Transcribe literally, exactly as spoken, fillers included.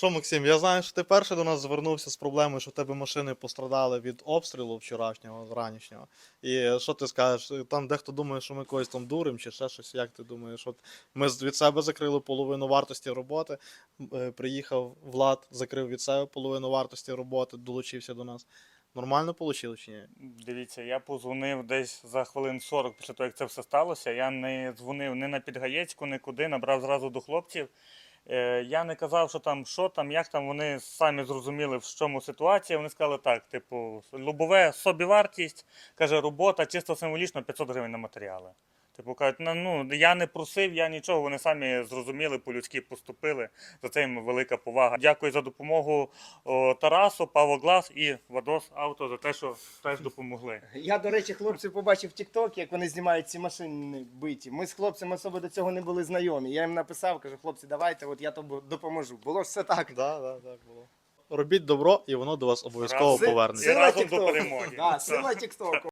Що, Максим, я знаю, що ти перший до нас звернувся з проблемою, що в тебе машини пострадали від обстрілу вчорашнього, ранішнього. І що ти скажеш? Там дехто думає, що ми когось там дуримо чи ще щось. Як ти думаєш? От ми з- від себе закрили половину вартості роботи, е, приїхав Влад, закрив від себе половину вартості роботи, долучився до нас. Нормально вийшло чи ні? Дивіться, я позвонив десь за хвилин сорок після того, як це все сталося. Я не дзвонив ні на Підгаєцьку, нікуди, набрав зразу до хлопців. Е, Я не казав, що там, що там, як там. Вони самі зрозуміли, в чому ситуація. Вони сказали так, типу, лобове собівартість, каже, робота чисто символічно п'ятсот гривень на матеріали. Типу кажуть, ну, ну я не просив, я нічого, вони самі зрозуміли, по-людськи поступили. За це їм велика повага. Дякую за допомогу о, Тарасу, Павло Глас і Вадос Авто за те, що теж допомогли. Я, до речі, хлопців побачив в Тік-Ток, як вони знімають ці машини биті. Ми з хлопцями особо до цього не були знайомі. Я їм написав, кажу, хлопці, давайте, от я тобі допоможу. Було ж все так. Так, так, так було. Робіть добро, і воно до вас обов'язково Разом. повернеться. І разом до Тік-Току. перемоги. Да, сила Тік-Току.